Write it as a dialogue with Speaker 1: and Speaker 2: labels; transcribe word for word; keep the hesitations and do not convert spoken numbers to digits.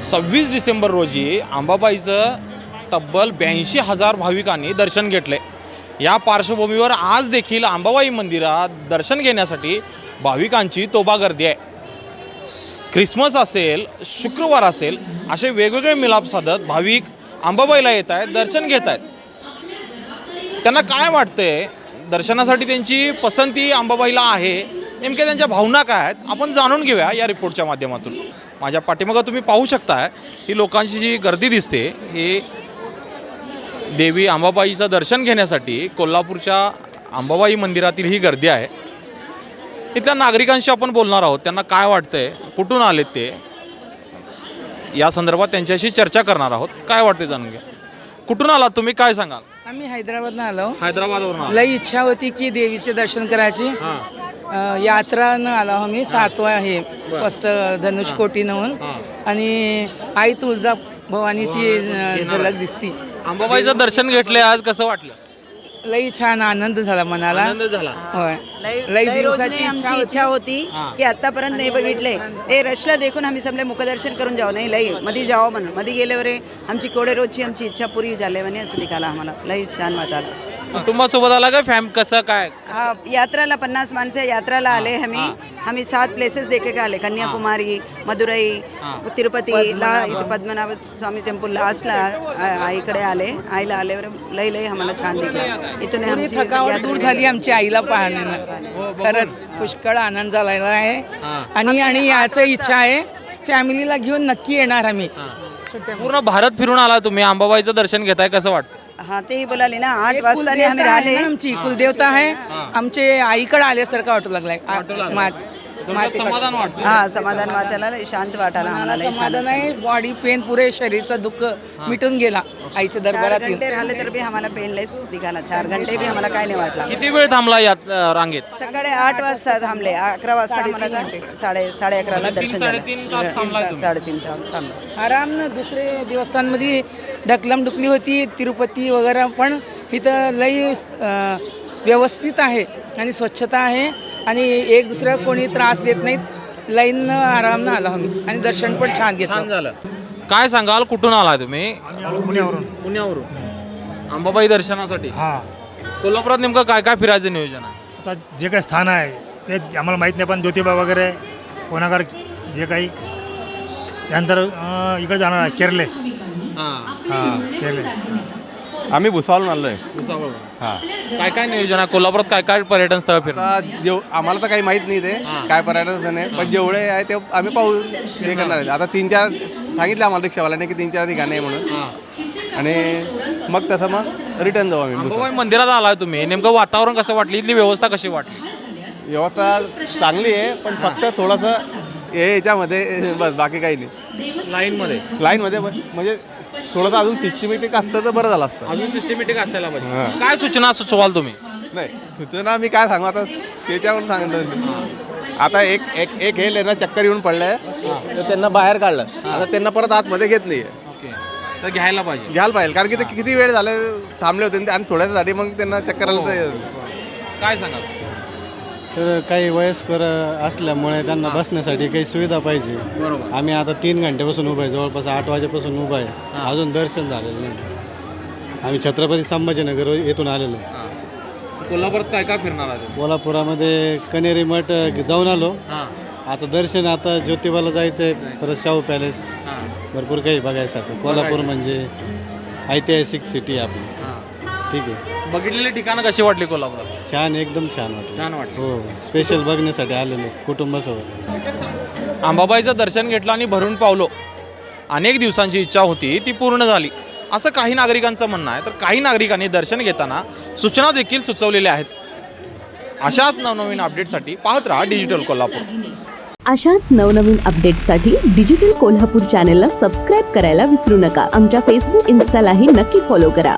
Speaker 1: सव्वीस डिसेंबर रोजी अंबाबाईचं तब्बल ब्याऐंशी हजार भाविकांनी दर्शन घेतले। या पार्श्वभूमीवर आज देखील अंबाबाई मंदिरात दर्शन घेण्यासाठी भाविकांची तोबा गर्दी आहे। ख्रिसमस असेल, शुक्रवार असेल, असे वेगवेगळे मिलाप साधत भाविक अंबाबाईला येत आहेत, दर्शन घेत आहेत। त्यांना काय वाटतंय, दर्शनासाठी त्यांची पसंती अंबाबाईला आहे, नेमक्या त्यांच्या भावना काय आहेत आपण जाणून घेऊया या रिपोर्टच्या माध्यमातून। माझ्या पाठीमागे तुम्ही पाहू शकता ही लोकांची जी गर्दी दिसते, हे देवी अंबाबाईचं दर्शन घेण्यासाठी कोल्हापूरच्या अंबाबाई मंदिरातील ही गर्दी आहे। इथल्या नागरिकांशी आपण बोलणार आहोत, त्यांना काय वाटतंय, कुठून आलेत ते, या संदर्भात त्यांच्याशी चर्चा करणार आहोत। काय वाटते जाणून घ्या। कुठून आलात तुम्ही, काय सांगाल?
Speaker 2: आम्ही हैदराबादनं आलो।
Speaker 1: हैदराबादवरून
Speaker 2: लई इच्छा होती की देवीचे दर्शन करायची। यात्रानं आलो आम्ही, सातवा आहे फर्स्ट धनुष्कोटी नवून, आणि आई तुळजा भवानीची झलक दिसती।
Speaker 1: अंबाबाईचं दर्शन घेतले आज, कसं वाटलं?
Speaker 2: लई छान आनंद झाला मनाला।
Speaker 1: आनंद झाला।
Speaker 2: होय,
Speaker 3: लई दिवसाची आमची इच्छा होती की आतापर्यंत नाही बघितले, हे रशला देखून आम्ही समले मुखदर्शन करून जाऊ, नाही लई मध्ये जावं म्हणून मध्ये गेल्यावर आमची कोडे रोजची आमची इच्छा पुरी झाली म्हणे, असं दिखाला आम्हाला लई छान वाटलं।
Speaker 1: कुटुंबासोबत आला काय, फॅम कसं काय?
Speaker 3: हा, यात्राला पन्नास माणसं यात्राला आले आम्ही आम्ही सात प्लेसेस देखे का आले, कन्याकुमारी, मदुरई, तिरुपतीला, इथं पद्मनाभ स्वामी टेम्पल लास्टला इकडे आले, आईला आल्यावर लई लई आम्हाला छान दिसलं। इथून
Speaker 2: पुरी थकावट दूर झाली आमची आईला पाहण्यानं। खरंच पुष्कळ आनंद झालेला आहे, आणि आणि याची इच्छा आहे फॅमिलीला घेऊन नक्की येणार आम्ही।
Speaker 1: पूर्ण भारत फिरून आला तुम्ही, अंबाबाईचं दर्शन घेताय, कसं वाटतं?
Speaker 3: हा, तेही बोलाले ना, आठ वाजता आम्ही राहिले।
Speaker 2: आमची कुलदेवता आहे, आमचे आईकडे आल्यासारखं वाटू लागलाय।
Speaker 1: समाधान वाटतं।
Speaker 3: हा, समाधान वाटायला, शांत वाटायला आम्हाला लई छान
Speaker 2: समाधान आहे। बॉडी पेन पुरे शरीरचं दुःख मिटून गेला आईच्या दरबारात।
Speaker 3: चार घंटे राहिले तर बी आम्हाला पेनलेस दिघाला, चार घंटे बी आम्हाला काय नाही वाटला।
Speaker 1: किती वेळ थांबला यात रांगेत?
Speaker 3: सकाळी आठ वाजता थांबले, अकरा वाजता आम्हाला तर साडे साडे अकराला दर्शन
Speaker 1: साडेतीन तास थांबलाय
Speaker 3: झालं।
Speaker 1: तुम्ही?
Speaker 3: साडेतीन तास थांबलो
Speaker 2: आरामनं। दुसरे देवस्थानमध्ये ढकलम डुकली होती, तिरुपती वगैरे, पण इथं लई अं, व्यवस्थित आहे आणि स्वच्छता आहे, आणि एक दुसऱ्या कोणी त्रास देत नाहीत। लाईननं आरामनं आलो आम्ही, आणि दर्शन पण छान घेतलं।
Speaker 1: झालं। काय सांगाल, कुठून आलाय तुम्ही?
Speaker 4: पुण्यावरून
Speaker 1: पुण्यावरून अंबाबाई दर्शनासाठी?
Speaker 4: हा,
Speaker 1: कोल्हापुरात नेमकं काय काय फिरायचं नियोजन आहे?
Speaker 4: आता जे काही स्थान आहे ते आम्हाला माहीत नाही, पण ज्योतिबा वगैरे, कोणागर, जे काही, त्यानंतर अं, इकडे जाणार आहे केरले। हां, केरले।
Speaker 5: आम्ही भुसावळून आलो आहे।
Speaker 1: भुसावळ।
Speaker 5: हां,
Speaker 1: काय काय नियोजन आहे कोल्हापुरात, काय काय पर्यटन स्थळ फिरणार?
Speaker 5: आता जेव आम्हाला तर काही माहीत नाही ते काय पर्यटन स्थळ आहे, पण जेवढे आहे ते आम्ही पाहू हे करणार आहे। आता तीन चार सांगितलं आम्हाला रिक्षावाल्याने की तीन चार ठिकाणी आहे म्हणून, आणि मग तसं मग रिटर्न जाऊ आम्ही भुसावळ।
Speaker 1: अंबाबाई मंदिरात आलाय तुम्ही, नेमकं वातावरण कसं वाटलं, इथली व्यवस्था कशी वाटली?
Speaker 5: व्यवस्था चांगली आहे, पण फक्त थोडंसं हे याच्यामध्ये बस, बाकी काही नाही।
Speaker 1: लाईनमध्ये
Speaker 5: लाईनमध्ये बस, म्हणजे थोडंसं अजून सिस्टमॅटिक असतं तर बरं झालं असतं।
Speaker 1: अजून सिस्टमॅटिक असायला पाहिजे। काय सूचना सुचवाल तुम्ही?
Speaker 5: नाही, सूचना मी काय सांगू आता, त्याच्यावरून सांगितलं। आता एक एक एक हे लेना चक्कर येऊन पडलंय, तर त्यांना बाहेर काढलं, आता त्यांना परत आतमध्ये घेत नाहीये।
Speaker 1: ओके, तर घ्यायला पाहिजे,
Speaker 5: घ्यायला पाहिजे, कारण की ते किती वेळ झाले थांबले होते, आणि थोड्यासाठी मग त्यांना चक्कर आलं तर
Speaker 1: काय सांगाल?
Speaker 6: तर काही वयस्कर असल्यामुळे त्यांना बसण्यासाठी काही सुविधा पाहिजे।
Speaker 1: बरोबर।
Speaker 6: आम्ही आता तीन घंट्यापासून उभा आहे, जवळपास आठ वाजेपासून उभा आहे, अजून दर्शन झालेलं नाही। आम्ही छत्रपती संभाजीनगर येथून आलेलो आहे।
Speaker 1: कोल्हापुरात काय काय फिरणार आहे?
Speaker 6: कोल्हापुरामध्ये कनेरी मठ जाऊन आलो,
Speaker 1: हां
Speaker 6: आता दर्शन, आता ज्योतिबाला जायचं आहे, परत शाहू पॅलेस,
Speaker 1: हां
Speaker 6: भरपूर काही बघायसारखं। कोल्हापूर म्हणजे ऐतिहासिक सिटी आपली। ठीक आहे।
Speaker 1: बघितलेली ठिकाणं कशी वाटली कोल्हापुरात?
Speaker 6: छान, एकदम छान वाटलं।
Speaker 1: छान वाटलं।
Speaker 6: हो, स्पेशल बघण्यासाठी आलेलो कुटुंबासोबत।
Speaker 1: अंबाबाईचं दर्शन घेतलं आणि भरून पावलो। अनेक दिवसांची इच्छा होती ती पूर्ण झाली, असं काही नागरिकांचं म्हणणं आहे। तर काही नागरिकांनी दर्शन घेताना सूचना देखील सुचवलेल्या आहेत। अशाच नवनवीन अपडेटसाठी पाहत राहा डिजिटल कोल्हापूर।
Speaker 7: अशाच नवनवीन अपडेटसाठी डिजिटल कोल्हापूर चॅनेलला सबस्क्राईब करायला विसरू नका। आमच्या फेसबुक, इन्स्टालाही नक्की फॉलो करा।